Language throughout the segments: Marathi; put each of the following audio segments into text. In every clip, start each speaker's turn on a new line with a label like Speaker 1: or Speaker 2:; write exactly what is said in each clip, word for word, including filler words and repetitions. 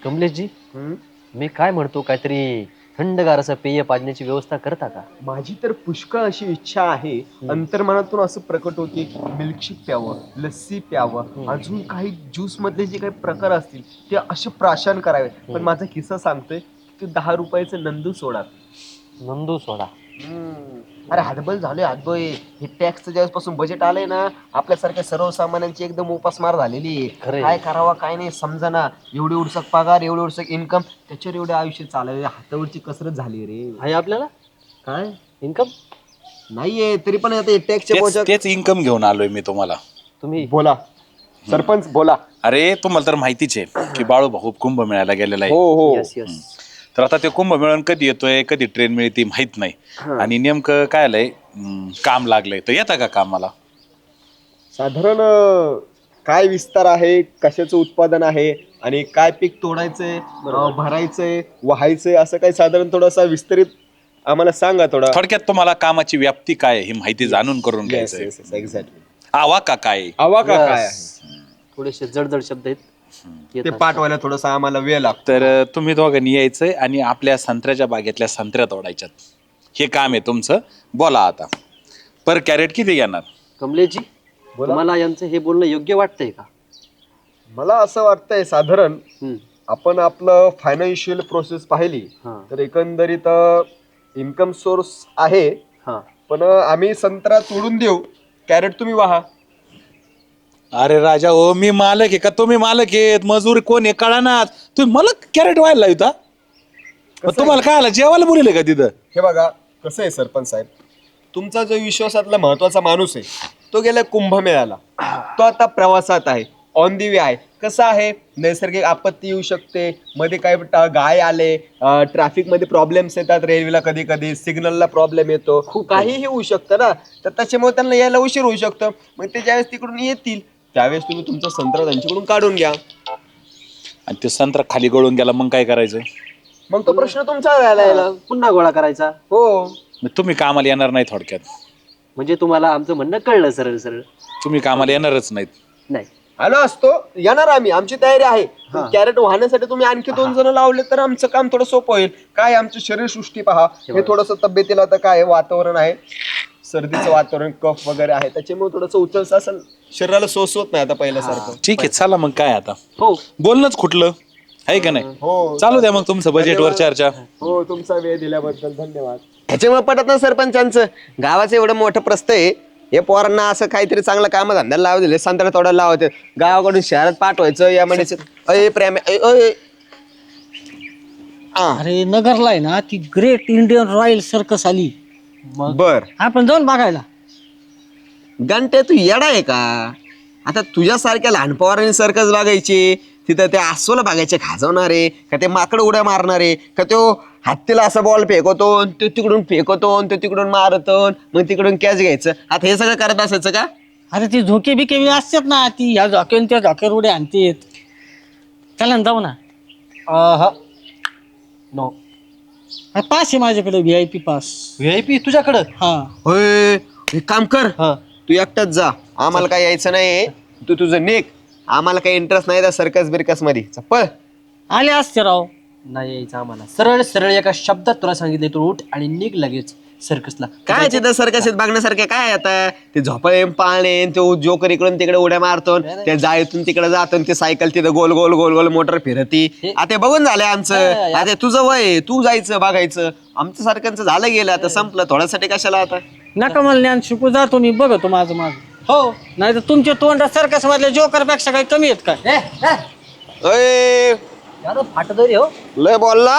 Speaker 1: कमलेशजी, मी काय म्हणतो, काहीतरी थंडगार असं पेय पाजण्याची व्यवस्था करता का?
Speaker 2: माझी तर पुष्कळ अशी इच्छा आहे. अंतर्मनातून असं प्रकट होते, मिल्कशेक प्यावं, लस्सी प्यावं, अजून काही ज्यूस मधले जे काही प्रकार असतील ते असे प्राशन करावे. पण माझा किस्सा सांगतोय की दहा रुपयाचं नंदू सोडा.
Speaker 1: नंदू सोडा.
Speaker 2: अरे हातबल झालोय हातबल. हे टॅक्सचं ज्यापासून बजेट आलंय ना, आपल्यासारख्या सर्वसामान्यांची एकदम उपासमार झालेली आहे.
Speaker 1: खरंय.
Speaker 2: काय करावा काय नाही समजना. एवढी उडसक पगार, एवढी उडसक इन्कम, त्याच्यावर एवढे आयुष्य चालले. हातावरची कसरत झाली रे.
Speaker 1: आहे आपल्याला
Speaker 2: काय
Speaker 1: इन्कम?
Speaker 2: नाहीये तरी पण आता टॅक्सच्या
Speaker 3: तेच
Speaker 2: बोजा.
Speaker 3: तेच इन्कम घेऊन आलोय मी तुम्हाला.
Speaker 1: तुम्ही
Speaker 2: बोला सरपंच बोला.
Speaker 3: अरे तुम्हाला तर माहितीच आहे की बाळू भाऊ कुंभ मेळ्याला गेलेला आहे.
Speaker 2: हो हो
Speaker 1: यस यस.
Speaker 3: तर आता ते कुंभ मेळून कधी येतोय कधी ट्रेन मिळते माहित नाही. आणि नेमकं काय आलंय, हम्म, काम लागलंय. तर येता का कामाला?
Speaker 2: साधारण अं, काय विस्तार आहे, कशाचं उत्पादन आहे आणि काय पीक तोडायचंय, अं, भरायचंय, व्हायचंय, असं काही साधारण थोडासा विस्तरित आम्हाला सांगा थोडा.
Speaker 3: थोडक्यात तुम्हाला कामाची व्याप्ती काय आहे ही माहिती जाणून करून घ्यायचंय.
Speaker 2: एक्झॅक्टली.
Speaker 3: आवा का काय?
Speaker 2: आवा का काय आहे
Speaker 1: थोडेसे जडजड शब्द आहेत.
Speaker 2: ते
Speaker 1: येतात.
Speaker 2: पाठवायला थोडासा आम्हाला वेळ लागतो.
Speaker 3: तर अं, तुम्ही दोघांनी यायचंय आणि आपल्या संत्र्याच्या बागेतल्या संत्र्या तोडायच्यात. हे काम आहे तुमचं. बोला आता, पर कॅरेट किती घेणार?
Speaker 1: कमलेशजी,
Speaker 2: बोला.
Speaker 1: तुम्हाला यांचं हे बोलणं योग्य वाटतंय का?
Speaker 2: मला असं वाटतंय साधारण
Speaker 1: हम्म.
Speaker 2: आपण आपलं फायनान्शियल प्रोसेस पाहिली
Speaker 1: हा.
Speaker 2: तर एकंदरीत इन्कम सोर्स आहे.
Speaker 1: हा.
Speaker 2: पण आम्ही संत्रा तोडून देऊ, कॅरेट तुम्ही वाहा.
Speaker 3: अरे राजा हो, मी मालक आहे का तुम्ही मालक आहेत? मजूर कोण आहे कळा ना. तुम्ही मला कॅरेट व्हायला लावता. तुम्हाला काय आलं, जेवायला बोलले का तिथं?
Speaker 2: हे बघा कसं आहे सरपंच साहेब, तुमचा जो विश्वासातला महत्वाचा माणूस आहे तो गेला कुंभमेळ्याला. तो आता प्रवासात आहे, ऑन दी वे आहे. कसं आहे, नैसर्गिक आपत्ती येऊ शकते, मध्ये काय ट- गाय आले, ट्रॅफिक मध्ये प्रॉब्लेम्स येतात, रेल्वेला कधी कधी सिग्नलला प्रॉब्लेम येतो, काहीही होऊ शकतं ना. तर त्याच्यामुळे त्यांना यायला उशीर होऊ शकतं. मग ते ज्यावेळेस तिकडून येतील त्यावेळेस तुम्ही तुमचा संत्रा त्यांच्याकडून काढून घ्या.
Speaker 3: आणि ते संत्रा खाली गळून गेला मग काय करायचं?
Speaker 2: मग तो प्रश्न तुमचा राहिला यायला.
Speaker 1: पुन्हा गोळा करायचा.
Speaker 2: हो.
Speaker 3: मग तुम्ही कामाला येणार नाही थोडक्यात.
Speaker 1: म्हणजे तुम्हाला आमचं म्हणणं कळलं सरळ सरळ?
Speaker 3: तुम्ही कामाला येणारच नाहीत.
Speaker 1: नाही.
Speaker 2: आलो असतो, येणार आम्ही, आमची तयारी आहे. पण कॅरेट वाहण्यासाठी तुम्ही आणखी दोन जण लावले तर आमचं काम थोडं सोपं होईल. काय आमची शरीरसृष्टी पहा, हे थोडस तब्येतीला आता काय आहे, वातावरण आहे, सर्दीचं वातावरण, कफ वगैरे आहे, त्याच्यामुळे थोडंसं उचलस असं शरीराला सोसवत नाही आता पहिल्यासारखं.
Speaker 3: ठीक आहे, चला मग काय आता
Speaker 1: हो.
Speaker 3: बोलणंच कुठलं आहे का नाही.
Speaker 2: हो
Speaker 3: चालू द्या मग तुमचं बजेटवर चर्चा.
Speaker 2: हो, तुमचा वेळ दिल्याबद्दल धन्यवाद. ह्याच्यामुळे पटत ना सरपंचांचं, गावाचं एवढं मोठं प्रस्थ आहे, हे पोरांना असं काहीतरी चांगलं काम धंद्याला लावू दिले, संत्रा तोडायला लावते, गावाकडून शहरात पाठवायचं या म्हणजे अय प्रेम अय, अय. आ,
Speaker 4: अरे नगरला आहे ना ती ग्रेट इंडियन रॉयल सर्कस आली.
Speaker 2: बर
Speaker 4: आपण जाऊन बघायला.
Speaker 2: घंटे तू येडा आहे का? आता तुझ्यासारख्या लहान पोरांनी सर्कस बघायची, तिथं ते अस्वल बघायचे खाजवणारे, का ते माकड उड्या मारणारे, का तो हत्तीला असा बॉल फेकवतो, तो तिकडून फेकवतो, तो तिकडून मारतो, मग तिकडून कॅच घ्यायचं. आता हे सगळं करत असायचं का?
Speaker 4: अरे ती झोके बिके बी असतात ना, ती ह्या झोक्यावर त्या झोक्यावर उड्या आणतेत. चला ना जाऊ ना.
Speaker 1: नो.
Speaker 4: पास आहे माझ्याकडे, V I P pass.
Speaker 1: V I P तुझ्याकडं?
Speaker 4: हा.
Speaker 2: होय, एक काम कर,
Speaker 1: हा.
Speaker 2: तू एकटाच जा, आम्हाला काय यायचं नाही. तू तुझं नेक, आम्हाला काही इंटरेस्ट नाही त्या सर्कस बिरकस मध्ये. चप्पल
Speaker 4: आले असते राव.
Speaker 1: नाही यायचं आम्हाला. सरळ सरळ एका शब्दात तुला सांगितले, तू उठ आणि निघ लगेच सर्कसला.
Speaker 2: काय तिथं सर्कस बागण्यासारखे काय आता? ते झोपाळे पाळणे, तो जोकर इकडून तिकडे उड्या मारतो, त्या जाळीतून तिकडे जातो, ते सायकल तिथं गोल गोल गोल गोल मोटर फिरती. आता बघून झालंय आमचं. आता तुझं वय, तू जायचं बघायचं, आमचं सारख्यांचं झालं गेलं, आता संपलं. थोड्यासाठी कशाला आता?
Speaker 4: नका मला ज्ञान शिकू, जातो मी, बघतो माझं माझं.
Speaker 1: हो.
Speaker 4: नाही तर तुमचे तोंड सर्कस मधल्या जोकर पेक्षा काही कमी आहेत काय?
Speaker 2: अय,
Speaker 1: फाटत रे हो.
Speaker 2: लय बोलला.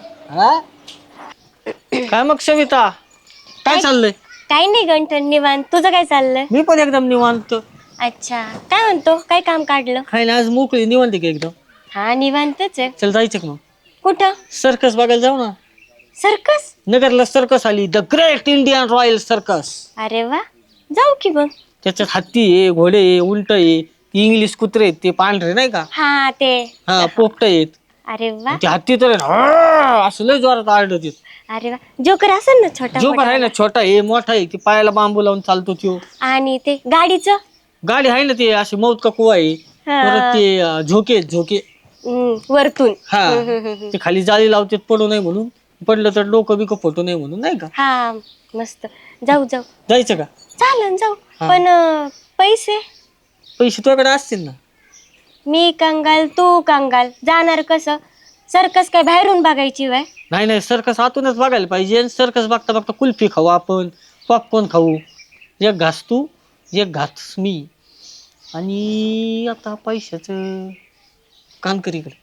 Speaker 4: काय मग सविता, काय चाललंय?
Speaker 5: काही नाही गंठन, निवांत. तुझं काय चाललंय?
Speaker 4: मी पण एकदम निवांत.
Speaker 5: अच्छा, काय म्हणतो? काय काम काढलं?
Speaker 4: काय नाही, आज मोकळी निवांत की एकदम.
Speaker 5: हा, निवांतच आहे.
Speaker 4: चल जायचं का मग?
Speaker 5: कुठं?
Speaker 4: सर्कस बघायला जाऊ ना.
Speaker 5: सर्कस?
Speaker 4: नगरला सर्कस आली, the great Indian royal circus.
Speaker 5: अरे वा, जाऊ की मग.
Speaker 4: त्याच्यात हत्ती आहे, घोडे आहे, उंट आहे, इंग्लिश कुत्रे आहेत, ते पांढरे नाही का,
Speaker 5: हा ते.
Speaker 4: हा पोपट आहेत.
Speaker 5: अरे वा,
Speaker 4: ते हत्ती तर "आह!" असं लय जोरात आरडत.
Speaker 5: अरे वा. जोकर असेल ना छोटा
Speaker 4: जो
Speaker 5: मोठा?
Speaker 4: आहे ना छोटा आहे, मोठा आहे, की पायाला बांबू लावून चालतो त्यो.
Speaker 5: आणि ते गाडीचं?
Speaker 4: गाडी आहे ना, ते अशी मौत का कुवा आहे.
Speaker 5: हा.
Speaker 4: परत ते अं, झोके आहेत, झोके.
Speaker 5: हम्म, वरतून
Speaker 4: हा ते खाली जाळी लावते पडू नये म्हणून, पडलं तर डोकं बिकं फुटू नये म्हणून नाही का.
Speaker 5: हा मस्त. जाऊ जाऊ
Speaker 4: जायचं का?
Speaker 5: चालन जाऊ.
Speaker 4: हा.
Speaker 5: पण अं, पैसे
Speaker 4: पैसे तुझ्याकडे असतील ना.
Speaker 5: मी कंगाल तू कंगाल जाणार कसं? सर्कस काय बाहेरून बघायची वय?
Speaker 4: नाही नाही सर्कस आतूनच बघायला पाहिजे. सर्कस बघता बघता कुल्फी खाऊ आपण, पॉपकॉर्न खाऊ. एक घास तू एक घास मी. आणि आता पैशाचं काम कर इकडे.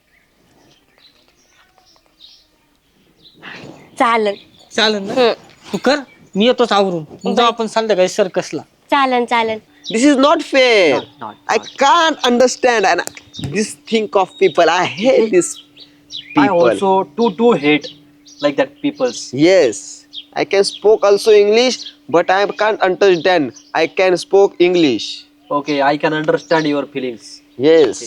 Speaker 5: चालन
Speaker 4: चालेल ना.
Speaker 5: हम्म.
Speaker 4: तू कर, मी येतोच आवरून. मग जाऊ आपण संध्याकाळी सर्कसला.
Speaker 5: चालन चालन.
Speaker 2: This is not fair. I can't understand and this think of people. I hate this
Speaker 1: I
Speaker 2: people.
Speaker 1: also too too hate like that peoples.
Speaker 2: Yes, I can spoke also English, but I can't understand. I can spoke English.
Speaker 1: Okay, I can understand your feelings.
Speaker 2: Yes.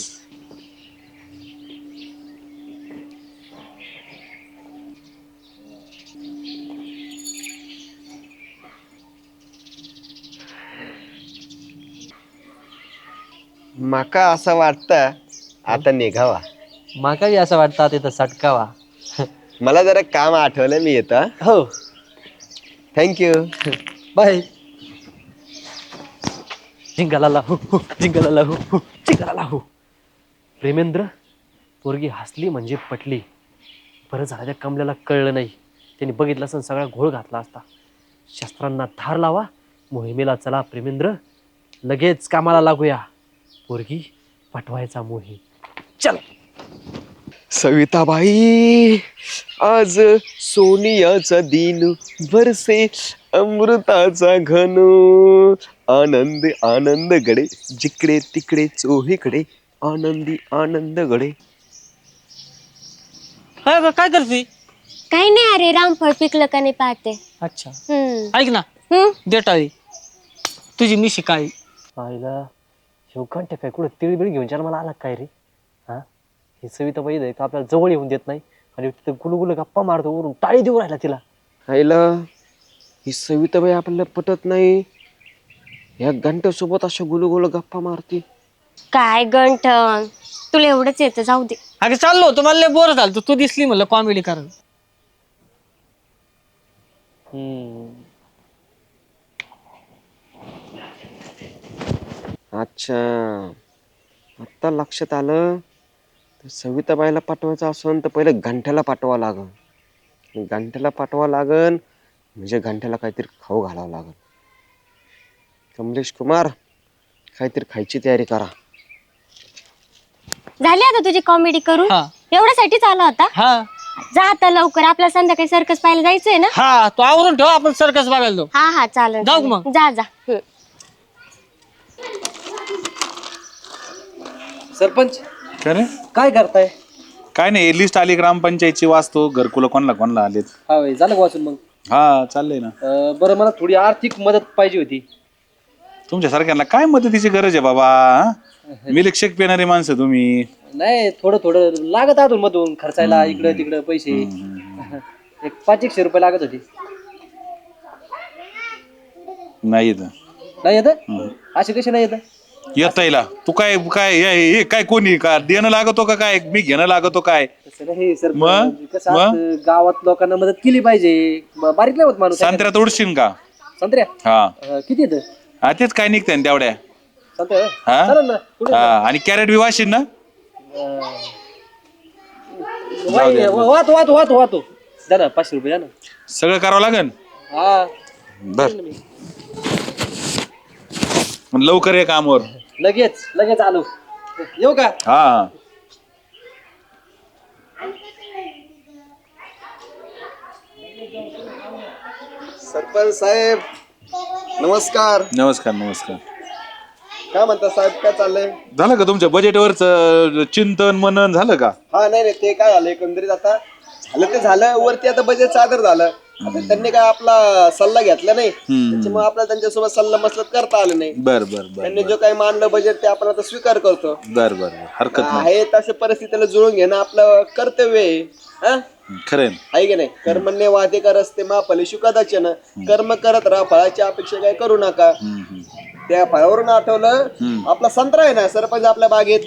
Speaker 2: माका असं वाटतं आता निघावा.
Speaker 1: माका असं वाटतं तिथं सटकावा.
Speaker 2: मला जरा काम आठवलं, मी येतो.
Speaker 1: हो,
Speaker 2: थँक्यू.
Speaker 1: बाय. जिंगाला लाहू हू, जिंगाला लाहू हू, जिंगाला लाहू. प्रेमेंद्र, पोरगी हसली म्हणजे पटली. बरं झालं त्या कमल्याला कळलं नाही. त्यांनी बघितलं असं सगळा घोळ घातला असता. शस्त्रांना धार लावा, मोहिमेला चला प्रेमेंद्र, लगेच कामाला लागूया. पोरगी पटवायचा मोहीम. चल.
Speaker 2: सविताबाई, आज सोनियाचा दिन, बरसे अमृताचा घन, आनंद आनंद गडे, जिकडे तिकडे चोहीकडे, आनंदी आनंद गडे.
Speaker 4: काय गं, काय करते?
Speaker 5: काही नाही अरे, रामफळ पिकलं का नाही पाहते.
Speaker 4: अच्छा
Speaker 5: हम्म
Speaker 4: ऐक ना,
Speaker 5: हम्म.
Speaker 4: देटाळी तुझी मिशी काय?
Speaker 1: आईला शिवकांठ काय कुठं तिळबिळ घेऊन मला आला काय रे? हा, ही सविता बाई आहे का आपल्याला जवळ येऊन देत नाही आणि तिथं गुलगुल गप्पा मारतो, वरून टाळी देऊ राहिला तिला.
Speaker 2: आईला ही सविताबाई आपल्याला पटत नाही. या घंट्यासोबत अशा गुलगुल गप्पा मारती.
Speaker 5: काय गंठन, तुला एवढंच येतं, जाऊ दे.
Speaker 4: अगं चाललो होतो, मला लय बोर झालं. तू दिसली म्हणलं कॉमेडी कारण.
Speaker 1: हम्म.
Speaker 2: अच्छा, आत्ता लक्षात आलं. तर सविताबाईला पाठवायचं असेल तर पहिले घंट्याला पाठवा लागन. घंट्याला पाठवा लागन म्हणजे घंट्याला काहीतरी खाऊ घालावं लागन. कमलेश कुमार, काहीतरी खायची तयारी करा.
Speaker 5: झाली आता तुझी कॉमेडी करून?
Speaker 4: हा.
Speaker 5: एवढ्यासाठीच आला होता?
Speaker 4: हा
Speaker 5: जा आता लवकर, आपल्या संध्याकाळी सर्कस पाहायला जायचंय ना.
Speaker 4: हा तू आवरून ठेव, आपण सर्कस बघायला जाऊ.
Speaker 5: हा हा चालेल.
Speaker 4: जाऊ
Speaker 5: चालेल.
Speaker 4: मग.
Speaker 5: जा जा. हम्म.
Speaker 1: सरपंच
Speaker 3: काय रे?
Speaker 1: काय करताय?
Speaker 3: काय नाही, लिस्ट आली ग्रामपंचायतची, वाचतो घरकुलं कोणाला कोणाला आलेत.
Speaker 1: हा वय, झालं का वाचून मग?
Speaker 3: हा चाललंय ना.
Speaker 1: अं, बरं, मला थोडी आर्थिक मदत पाहिजे होती.
Speaker 3: तुमच्या सारख्यांना काय मदतीची गरज आहे बाबा? हा? मिल्कशेक पिणारी माणसं तुम्ही.
Speaker 1: नाही, थोडं थोडं लागत अजून मधून खर्चायला, इकडं तिकडं पैसे. एक पाच एकशे रुपये लागत होते.
Speaker 3: नाही येत.
Speaker 1: नाही येत? असे कसे नाही येत?
Speaker 3: येता येईल. तू काय काय हे हे काय कोणी का देणं लागतो का काय? मी घेणं लागतो काय?
Speaker 1: तसं नाही सर,
Speaker 3: मग?
Speaker 1: कसं
Speaker 3: मग?
Speaker 1: असतं, गावात लोकांना मदत केली पाहिजे. ब- बारीक नाही होत माणूस.
Speaker 3: संत्र्या तोडशील का?
Speaker 1: संत्र्या
Speaker 3: हा
Speaker 1: अं, किती येतं
Speaker 3: हा तेच काय निघते तेवढ्या.
Speaker 1: संत्र्या होय?
Speaker 3: हा?
Speaker 1: चालेल ना. कुठे
Speaker 3: हा आणि कॅरेट बी वाशील ना.
Speaker 1: वाई- वा- वाहतो वाहतो वाहतो वाहतो द्या ना, पाचशे रुपये द्या ना.
Speaker 3: सगळं करावं लागेल.
Speaker 1: हा,
Speaker 3: बर मग लवकर ये कामावर.
Speaker 1: लगेच लगेच आलो. येऊ का?
Speaker 3: हा हा
Speaker 2: सरपंच साहेब नमस्कार.
Speaker 3: नमस्कार नमस्कार.
Speaker 2: काय म्हणता साहेब, काय चाललंय?
Speaker 3: झालं का तुमच्या बजेटवरच चिंतन मनन झालं का?
Speaker 2: हा नाही नाही, ते काय झालं एकंदरीत आता झालं ते झालं. वरती आता बजेट सादर झालं. आता त्यांनी काय आपला सल्ला घेतला नाही, त्याच्यामुळे आपल्याला त्यांच्यासोबत सल्ला मसलत करता आलं नाही.
Speaker 3: बर बर बर
Speaker 2: त्यांनी जो काही मानलं बजेट ते आपण आता स्वीकार करतो.
Speaker 3: बर बर बर हरकत नाही.
Speaker 2: आहे तशा परिस्थितीला जुळून घेणं आपलं कर्तव्य आहे. हा,
Speaker 3: खरंय.
Speaker 2: आहे की नाही? कर्मण्य वादे करस्ते मा फलेषु कदाचन. कर्म करत राहा, फळाची अपेक्षा काय करू नका. त्या फळावरून आठवलं, आपला संत्रा आहे ना सरपंच आपल्या बागेत.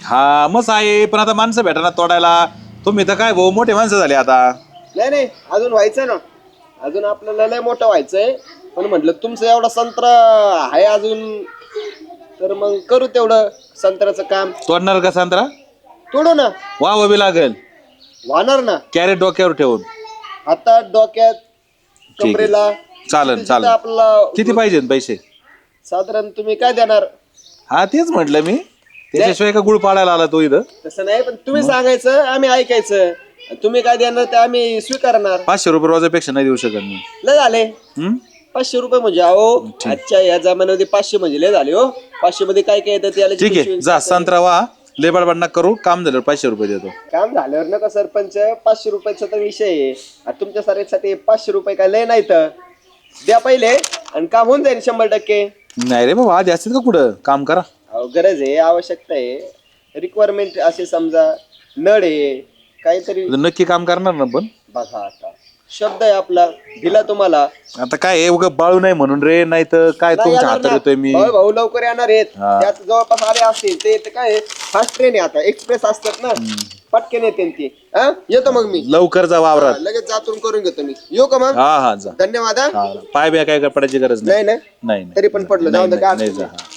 Speaker 3: हा मग आहे, पण आता माणसं भेटा ना तोडायला. तुम्ही तर काय भाऊ मोठे माणसं झाले आता.
Speaker 2: नाही नाही अजून व्हायचंय ना, अजून आपल्याला लय मोठं व्हायचंय. पण म्हटलं तुमचं एवढा संत्रा आहे अजून, तर मग करू तेवढं संत्र्याचं काम.
Speaker 3: तोडणार का संत्रा?
Speaker 2: तोडू ना.
Speaker 3: वा बी लागेल.
Speaker 2: वाहणार ना.
Speaker 3: कॅरेट डोक्यावर ठेवून.
Speaker 2: हातात डोक्यात
Speaker 3: आहे.
Speaker 2: कमरेला.
Speaker 3: चालेल
Speaker 2: जिथं-
Speaker 3: चालेल.
Speaker 2: जिथं आपला
Speaker 3: किती पाहिजे पैसे?
Speaker 2: साधारण तुम्ही काय देणार?
Speaker 3: हा तेच म्हटलं मी, त्याच्याशिवाय का गुळ पाडायला आला तो इथं?
Speaker 2: तसं नाही, पण तुम्ही सांगायचं आम्ही ऐकायचं. तुम्ही काय देणार ते आम्ही स्वीकारणार.
Speaker 3: पाचशे रुपये रोजापेक्षा नाही देऊ शकत मी.
Speaker 2: लय झाले
Speaker 3: हम्म?
Speaker 2: पाचशे रुपये म्हणजे. अहो आजच्या या जमान्यामध्ये पाचशे म्हणजे लय झाले हो. पाचशे मध्ये काय काय येतं त्याला
Speaker 3: ठीक आहे, जा संत्रा वा, लेबर बडना करू, काम झाल्यावर पाचशे रुपये देतो.
Speaker 2: काम झाल्यावर नका सरपंच, पाचशे रुपयाचा तर विषय आहे. आता तुमच्या सारख्यासाठी पाचशे रुपये काय लय नाही तर द्या पहिले आणि काम होऊन जाईल शंभर टक्के.
Speaker 3: नाही रे बाबा, आधी असतील का कुठं? काम करा.
Speaker 2: अहो गरज आहे, आवश्यकता आहे, रिक्वायरमेंट असे समजा, नळ आहे काहीतरी.
Speaker 3: नक्की काम करणार ना? पण
Speaker 2: बघा आता शब्द आहे आपला, दिला तुम्हाला.
Speaker 3: आता काय आहे, उगा बाळू नाही म्हणून रे, नाही तर काय
Speaker 2: नाही
Speaker 3: तुमच्या
Speaker 2: येणार
Speaker 3: हातात
Speaker 2: ना.
Speaker 3: येतोय मी.
Speaker 2: भाऊ भाऊ लवकर येणार आहेत.
Speaker 3: हा.
Speaker 2: त्यात जवळपास आले असतील ते तर काय फास्ट ट्रेन आहे, आता एक्सप्रेस असतात ना, पटकन येते ती. हा येतो मग मी
Speaker 3: लवकर जा वावरात.
Speaker 2: लगेच जातून करून घेतो मी. येऊ का मग?
Speaker 3: हा हा जा.
Speaker 2: धन्यवाद. हा.
Speaker 3: हा, पाय बिया काय पडायची गरज
Speaker 2: नाही
Speaker 3: नाही.
Speaker 2: ना
Speaker 3: नाही
Speaker 2: तरी पण पडलं, जाऊ दे, काय
Speaker 3: नाही
Speaker 2: अडचण
Speaker 3: जा.
Speaker 2: नाही.
Speaker 3: हा.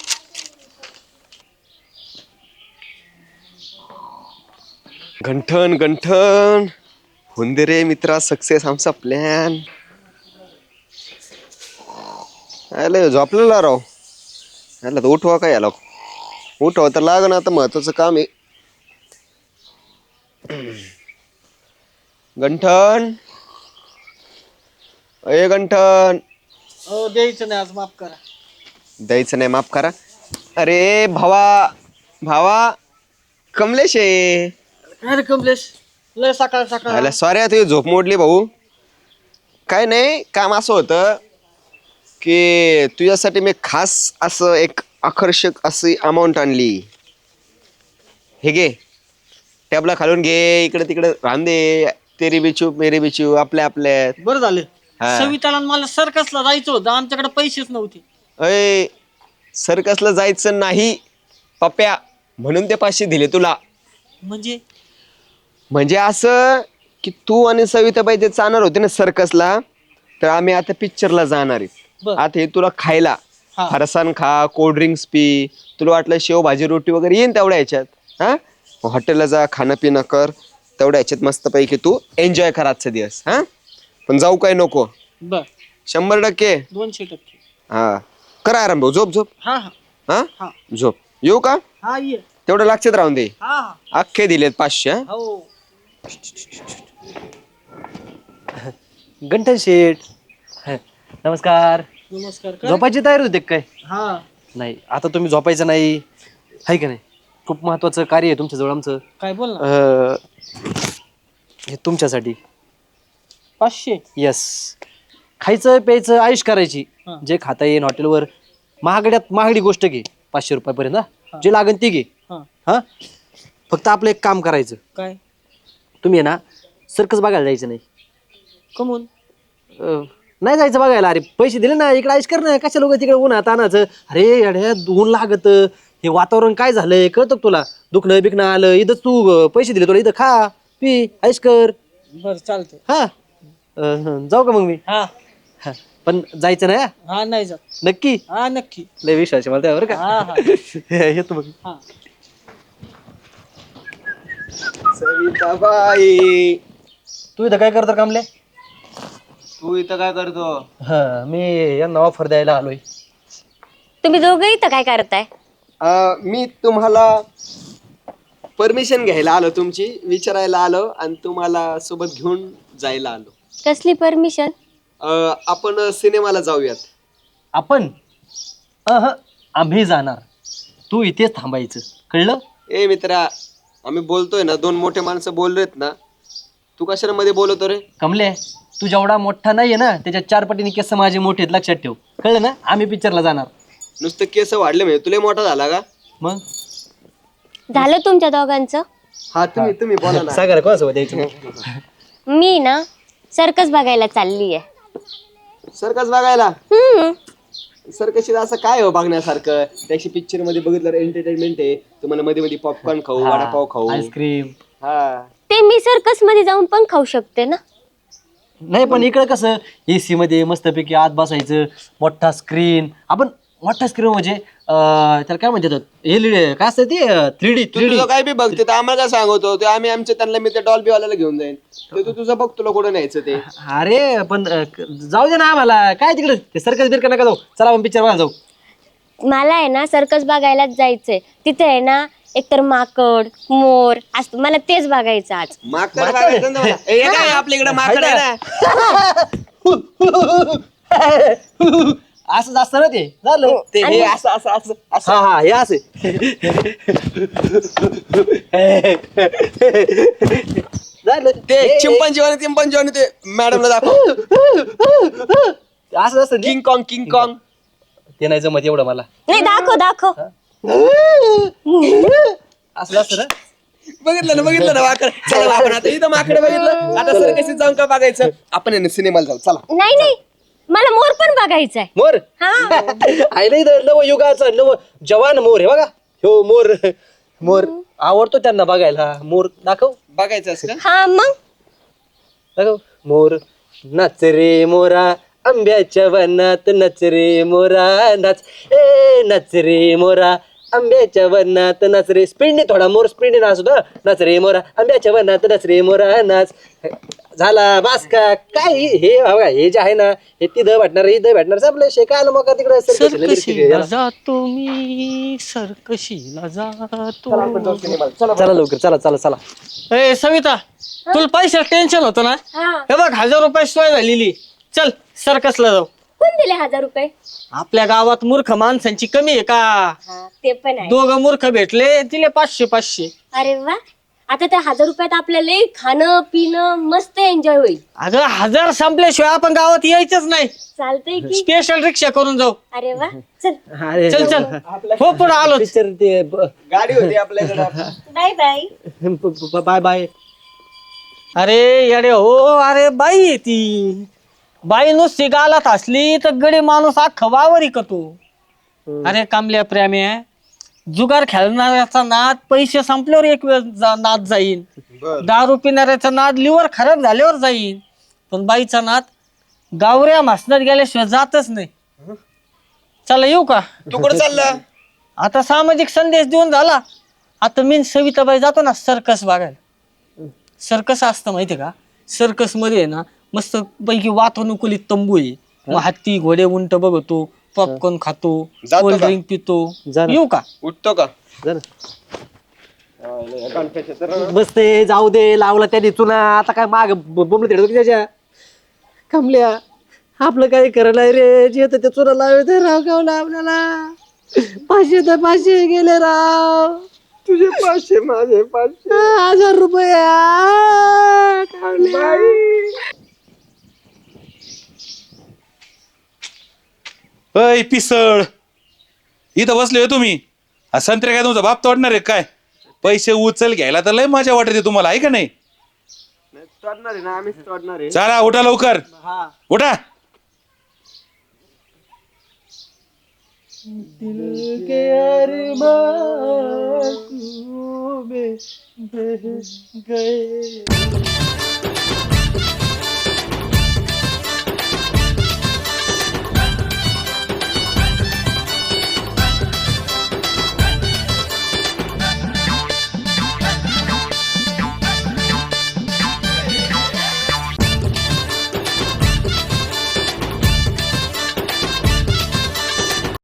Speaker 2: गंठन गंठन होऊन दे रे मित्रा सक्सेस आमचा प्लॅन. अरे झोपलेला राव, याला तर उठवा काय, याला उठवा तर लाग ना, आता महत्वाचं काम आहे. गंठन, अय गंठन.
Speaker 4: हो द्यायचं नाही आज, माफ करा.
Speaker 2: द्यायचं नाही, माफ करा. अरे भावा भावा कमलेश आहे.
Speaker 4: अरे कमलेश, लय सकाळ सकाळ.
Speaker 2: अरे सॉरी तुझी झोप मोडली भाऊ. काय नाही, काम असं होतं की तुझ्यासाठी मी खास असं एक आकर्षक अशी अमाऊंट आणली. हे घे, टॅबला खालून घे, इकडे तिकडे राहून दे. तेरी बिचू मेरी बिचू, आपल्या आपल्यात.
Speaker 4: बरं झालं.
Speaker 2: हा.
Speaker 4: सविताला आणि मला सर्कसला जायचं होतं, आमच्याकडे पैसेच नव्हते.
Speaker 2: अय सर्कसला जायचं नाही पप्प्या, म्हणून ते पाचशे दिले तुला.
Speaker 4: म्हणजे
Speaker 2: म्हणजे असं की तू आणि सविताबाई ते जाणार होते ना सर्कसला, तर आम्ही आता पिक्चरला जाणार आहे.
Speaker 4: बर.
Speaker 2: आता हे तुला खायला
Speaker 4: हा.
Speaker 2: फरसाण खा, कोल्ड्रिंक्स पी, तुला वाटलं शेव भाजी रोटी वगैरे येईन तेवढ्या ह्याच्यात. हा हॉटेलला जा, खाणं पिणं कर, तेवढ्या ह्याच्यात मस्तपैकी तू एन्जॉय कर आजचा दिवस. हा पण जाऊ काय नको,
Speaker 4: बर,
Speaker 2: शंभर टक्के.
Speaker 4: दोनशे टक्के.
Speaker 2: हा करा आराम भाऊ, झोप झोप.
Speaker 4: हा हा
Speaker 2: हा
Speaker 4: हा
Speaker 2: झोप. येऊ का?
Speaker 4: हा ये.
Speaker 2: तेवढं लक्षात राहून दे.
Speaker 4: हा हा
Speaker 2: अख्खे दिलेत पाचशे. हा?
Speaker 4: हो.
Speaker 1: गंठन शेठ, नमस्कार.
Speaker 4: नमस्कार. काय?
Speaker 1: झोपायची तयारी होते काय?
Speaker 4: हा
Speaker 1: नाही, आता तुम्ही झोपायचं नाही, आहे का नाही? खूप महत्वाचं कार्य आहे तुमच्याजवळ आमचं.
Speaker 4: काय बोल ना.
Speaker 1: अं, हे तुमच्यासाठी.
Speaker 4: पाचशे.
Speaker 1: यस, खायचं प्यायचं आयुष करायची,
Speaker 4: हा.
Speaker 1: जे खाता येईन हॉटेलवर. महागड्यात महागडी गोष्ट घे, पाचशे रुपयापर्यंत. हा, जे लागेल ती घे.
Speaker 4: हा.
Speaker 1: हा, फक्त आपलं एक काम करायचं.
Speaker 4: काय?
Speaker 1: तुम्ही आहे ना सर्कस बघायला जायचं नाही.
Speaker 4: कमून?
Speaker 1: अं, नाही जायचं बघायला. अरे पैसे दिले ना, इकडे आयुष कर ना, कशा लोक तिकडे उन्हात आणायचं. अरे अड्या ऊन लागत, हे वातावरण काय झालंय कळतं का तुला? दुखणं बिकणं आलं, इथं तू अं, पैसे दिले तुला, इथं खा पी आयुष कर.
Speaker 4: बर चालतंय.
Speaker 1: हा अं, जाऊ का मग मी?
Speaker 4: हा
Speaker 1: हा, पण जायचं नाही हा?
Speaker 4: हा नाही जात.
Speaker 1: नक्की?
Speaker 4: हा नक्की.
Speaker 1: लय विश्वास आहे मला त्यावर का.
Speaker 4: हा हा
Speaker 1: येतो मग.
Speaker 4: हा.
Speaker 2: सविताबाई,
Speaker 1: तू इथं काय करतो कामले?
Speaker 2: तू इथं काय करतो?
Speaker 1: हा, मी यांना ऑफर द्यायला आलोय.
Speaker 5: तुम्ही दोघं इथं काय करताय?
Speaker 2: अं, मी तुम्हाला परमिशन घ्यायला आलो, तुमची विचारायला आलो आणि तुम्हाला सोबत घेऊन जायला आलो.
Speaker 5: कसली परमिशन?
Speaker 2: अं, आपण सिनेमाला जाऊयात.
Speaker 1: आपण अह आम्ही जाणार, तू इथेच थांबायचं, कळलं?
Speaker 2: ए मित्रा, आम्ही बोलतोय ना, दोन मोठे माणसं बोललेत ना, तू कशाला मध्ये बोलवतो रे?
Speaker 1: कमले, तू जेवढा मोठा नाहीये ना, त्याच्या चार पटीने केस माझे मोठे आहेत, लक्षात ठेव, कळलं ना? आम्ही पिक्चरला जाणार.
Speaker 2: नुसतं केस वाढले म्हणजे तुला मोठा झाला का?
Speaker 1: मग
Speaker 5: झालं तुमच्या दोघांचं?
Speaker 2: हा तुम्ही तुम्ही बोला ना.
Speaker 1: सागर कोणासोबत द्यायचं?
Speaker 5: मी ना सर्कस बघायला चालली आहे.
Speaker 2: सर्कस बघायला?
Speaker 5: हम्म.
Speaker 2: सर कशी असं काय हो बघण्यासारखं त्याची पिक्चर मध्ये बघितलं एंटरटेनमेंट आहे तुम्हाला मध्ये मध्ये पॉपकॉर्न खाऊ वडापाव खाऊ
Speaker 1: आईस्क्रीम.
Speaker 2: हा
Speaker 5: ते मी सर्कस मध्ये जाऊन पण खाऊ शकते ना.
Speaker 1: नाही पण इकडे कसं एसी मध्ये मस्तपैकी आत बसायचं, मोठा स्क्रीन. आपण मोठा स्क्रीन म्हणजे अं, त्याला काय म्हणतात एलईडी काय असतं ते थ्री डी
Speaker 2: तू
Speaker 1: थ्री डी
Speaker 2: तुझं काय बी बघते तर आम्हाला काय सांगतो ते आम्ही आमच्या त्यांना मी त्या डॉल्बी वाल्याला घेऊन जाईन ते तू तुझं बघ तुला कुठं न्यायचं ते.
Speaker 1: अरे पण अं, जाऊ दे ना आम्हाला काय तिकडे ते सर्कस बिरकस नका जाऊ. चला आपण पिक्चर बघायला जाऊ.
Speaker 5: मला आहे ना सर्कस बघायलाच जायचंय. तिथे आहे ना एकतर माकड मोर असतं, मला तेच बघायचं आज.
Speaker 2: माकड बघायचं ना मला. ए, हे काय आपल्या इकडे माकड आहे ना.
Speaker 1: असं असतं ना ते झालं
Speaker 2: ते हे असं असं असं असं
Speaker 1: हा हा हे असे झालं
Speaker 2: ते चिंपांजी वाले चिंपांजी वाले ते मॅडमला दाखव
Speaker 1: असं असतं
Speaker 2: किंग कॉंग किंग कॉंग
Speaker 1: ते नाही जमत एवढं मला.
Speaker 5: नाही दाखव दाखव.
Speaker 1: असं असतं ना.
Speaker 2: बघितलं ना बघितलं ना माकड. चला आपण आता इथं माकडे बघितलं आता सर कशी जाऊन का बघायचं आपण आहे ना सिनेमाला जाऊ चला.
Speaker 5: नाही नाही मला मोर पण बघायचा आहे.
Speaker 1: मोर
Speaker 5: हा
Speaker 1: आहे ना नव युगाचा नव जवान मोर आहे बघा. हो मोर मोर आवडतो त्यांना बघायला. मोर दाखव
Speaker 2: बघायचं असं का?
Speaker 5: हा मग
Speaker 1: दाखव मोर. नाच रे मोरा आंब्याच्या वनात नाच रे मोरा नाच ए नाच रे मोरा आंब्याच्या वनात नाच रे. स्पीडने थोडा मोर स्पीडने नाच होता. नाच रे मोरा आंब्याच्या वनात नाच रे मोरा नाच. झाला बास का काय हे- हे बघा हे जे आहे ना हे तिथं भेटणार इथं भेटणार आपलं शेकायला मग तिकडे
Speaker 4: सरकशीला जातो मी सरकशीला जातो.
Speaker 1: चला लवकर चला चला चला.
Speaker 4: ए सविता तुला पैसे टेन्शन होतं ना.
Speaker 5: हा
Speaker 4: हे बघ हजार रुपये सोय झालेली. चल सर्कसला जाऊ.
Speaker 5: कोण दिले हजार रुपये?
Speaker 4: आपल्या गावात मूर्ख माणसांची कमी आहे का.
Speaker 5: हा ते पण आहे.
Speaker 4: दोघं मूर्ख भेटले दिले पाचशे पाचशे.
Speaker 5: अरे वा आता त्या हजार रुपयात आपल्याला लई खाणं पिणं मस्त एन्जॉय होईल.
Speaker 4: अगं हजार संपल्याशिवाय आपण गावात यायचंच नाही.
Speaker 5: चालतंय की.
Speaker 4: स्पेशल रिक्षा करून जाऊ.
Speaker 5: अरे वा चल
Speaker 1: अरे
Speaker 4: चल चल हो पुढे आलो.
Speaker 1: पिक्चर ते
Speaker 2: गाडी होती आपल्याकडे
Speaker 5: बाय बाय.
Speaker 1: Bye bye.
Speaker 4: अरे येडे हो अरे बाई आहे ती. बाई नुसती गालात असली तर गडी माणूस अख्खा वावर करतो. अरे कामल्या प्रेम्या जुगार खेळणाऱ्याचा नाद पैसे संपल्यावर एक वेळ जा- नाद जाईन. दारू पिणाऱ्याचा नाद लिव्हर खराब झाल्यावर जाईन. पण बाईचा नाद गावऱ्या मासनात गेल्याशिवाय जातच नाही. चला येऊ का.
Speaker 2: तू कुठं चाललं
Speaker 4: आता सामाजिक संदेश देऊन झाला. आता मी सविताबाई जातो ना सर्कस बघायला. सर्कस असतं माहितीये का. सर्कस मध्ये आहे ना मस्त पैकी वातानुकूलित तंबू आहे. मग हत्ती घोडे उंट बघतो पॉपकॉर्न खातो
Speaker 2: जातो
Speaker 4: कोल्ड
Speaker 2: का?
Speaker 4: ड्रिंक पितो.
Speaker 1: जा ना.
Speaker 4: येऊ का.
Speaker 2: उठतो का
Speaker 1: मस्त आहे, जाऊ दे लावला त्याने चुना आता काय माग बोंबलं तिकडे त्याच्या कमल्या आपलं काही खरं नाही रे. जे तर ते चुना लावत राव गावला आपल्याला. पाचशे तर पाचशे गेले राव.
Speaker 2: तुझे पाचशे माझे पाचशे
Speaker 1: हजार रुपये आ, कमल्या.
Speaker 3: अय पिसळ इथं बसले हो तुम्ही. हा संत्र्या काय तुमचा बाप तोडणार आहे काय. पैसे उचल घ्यायला तर लय मजा वाटते तुम्हाला आहे का नाही.
Speaker 2: तोडणार आहे ना आम्हीच तोडणार आहे.
Speaker 3: चला उठा लवकर उठा.
Speaker 1: दिल के अरमान में बह गए.